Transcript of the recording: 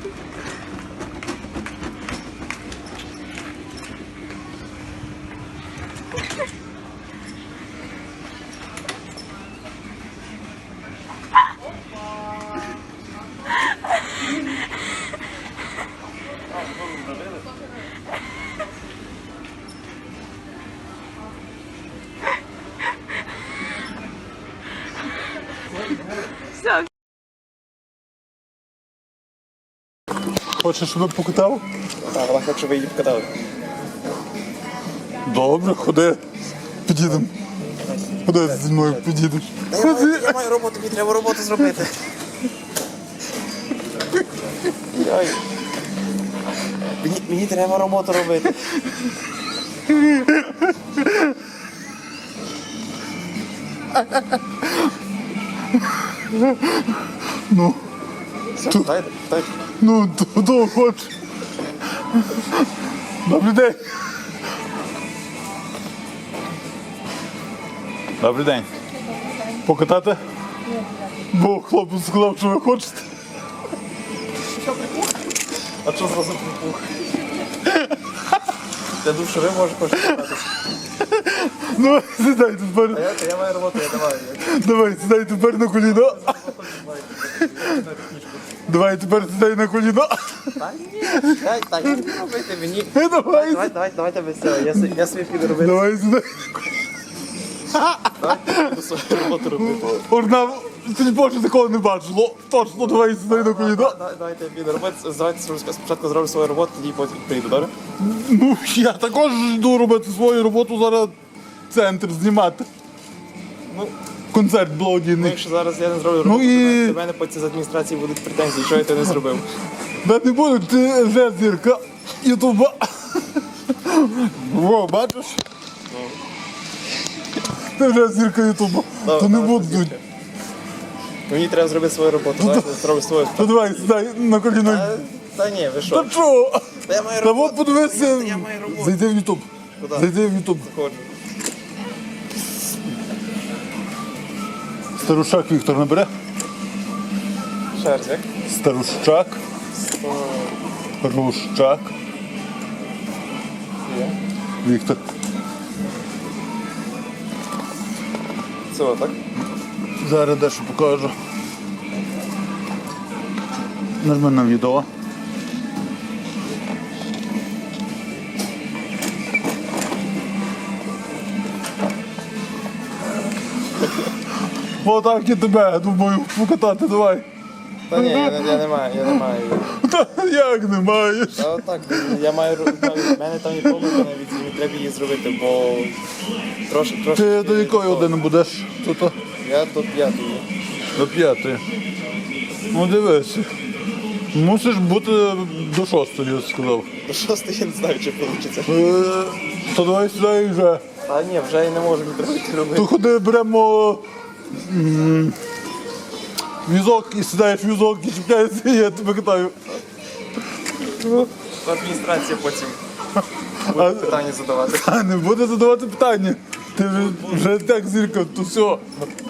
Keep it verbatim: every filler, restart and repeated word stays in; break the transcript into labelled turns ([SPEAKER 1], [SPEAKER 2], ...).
[SPEAKER 1] Все.
[SPEAKER 2] Хочеш, щоб я покатав?
[SPEAKER 3] Так, але хочу, щоб ви її покатали.
[SPEAKER 2] Добре, ходи. Підійдемо. Ходи зі мною підійдеш.
[SPEAKER 3] Я маю, я маю роботу, мені треба роботу зробити. Йой. Мені, мені треба роботу робити.
[SPEAKER 2] Ну,
[SPEAKER 3] Все,
[SPEAKER 2] Ту-
[SPEAKER 3] дайте, дайте.
[SPEAKER 2] ну, то, то хоч. Добрий день. Добрий день. Покатати? Бо хлопець сказав, що ви хочете.
[SPEAKER 3] А що зразу припух? Я думав, що ви можете хочете кататися.
[SPEAKER 2] Ну, сідай
[SPEAKER 3] А
[SPEAKER 2] тепер.
[SPEAKER 3] я, я маю роботу, я давай.
[SPEAKER 2] Давай, сідай тепер на коліно. Давай тепер сідай на коліно.
[SPEAKER 3] Та ні, дай, так, не робити мені.
[SPEAKER 2] Давай,
[SPEAKER 3] Давай, давай, давайте без цього, я, с- я собі піду робити.
[SPEAKER 2] давай сідай.
[SPEAKER 3] Давайте я піду свою роботу робити.
[SPEAKER 2] Орна, ти не більше такого не бачило. Точно, давай сідай на коліно.
[SPEAKER 3] Давай- Давайте я піду робити. Давайте спочатку зроблю свою роботу, тоді потім прийду, добре?
[SPEAKER 2] Ну, я також йду робити свою роботу, зараз центр знімати.
[SPEAKER 3] Ну,
[SPEAKER 2] Концерт
[SPEAKER 3] ну,
[SPEAKER 2] благодійний.
[SPEAKER 3] якщо зараз я не зроблю роботу,
[SPEAKER 2] і-
[SPEAKER 3] то до мене потім з адміністрації будуть претензії, що я це не зробив.
[SPEAKER 2] Да не буду, ти вже зірка Ютуба. Во, бачиш? Ти вже зірка Ютуба.
[SPEAKER 3] Добре,
[SPEAKER 2] То не
[SPEAKER 3] давай,
[SPEAKER 2] будуть.
[SPEAKER 3] зірка. Мені треба зробити свою роботу, давайте зроблю свою.
[SPEAKER 2] То давай, сідай на коліно.
[SPEAKER 3] Та, та ні, ви
[SPEAKER 2] Та
[SPEAKER 3] що?
[SPEAKER 2] що?
[SPEAKER 3] Та я маю
[SPEAKER 2] Та
[SPEAKER 3] роботу.
[SPEAKER 2] от подивися.
[SPEAKER 3] Я маю роботу.
[SPEAKER 2] Зайди в Ютуб.
[SPEAKER 3] Куди?
[SPEAKER 2] Зайди в Ютуб.
[SPEAKER 3] Ходжу.
[SPEAKER 2] Старушак Віктор набере.
[SPEAKER 3] Ще раз, як?
[SPEAKER 2] Старущак. Рущак.
[SPEAKER 3] Є.
[SPEAKER 2] Віктор.
[SPEAKER 3] Це отак.
[SPEAKER 2] Зараз дещо покажу. Нажми на відео. Отак і тебе, думаю, покатати давай.
[SPEAKER 3] Та ні, я, не- я не маю, я не маю.
[SPEAKER 2] Та як не маєш?
[SPEAKER 3] Та отак, я маю, в мене там є помилка навіть, мені треба її зробити, бо трошки, трошки...
[SPEAKER 2] Ти до якої години будеш тут?
[SPEAKER 3] Я до п'ятої.
[SPEAKER 2] До п'ятої. Ну дивись. Мусиш бути до шостої, я сказав.
[SPEAKER 3] До шостої я не знаю, чи вийде.
[SPEAKER 2] Е, То давай сюди і вже.
[SPEAKER 3] Та ні, вже я не можу мені треба йти робити.
[SPEAKER 2] То ходи беремо м, візок і сідаєш в візок і чіпляєшся, і я тебе катаю.
[SPEAKER 3] Адміністрація потім буде питання задавати.
[SPEAKER 2] А не буде задавати питання. Ти вже- вже так зірка, то все.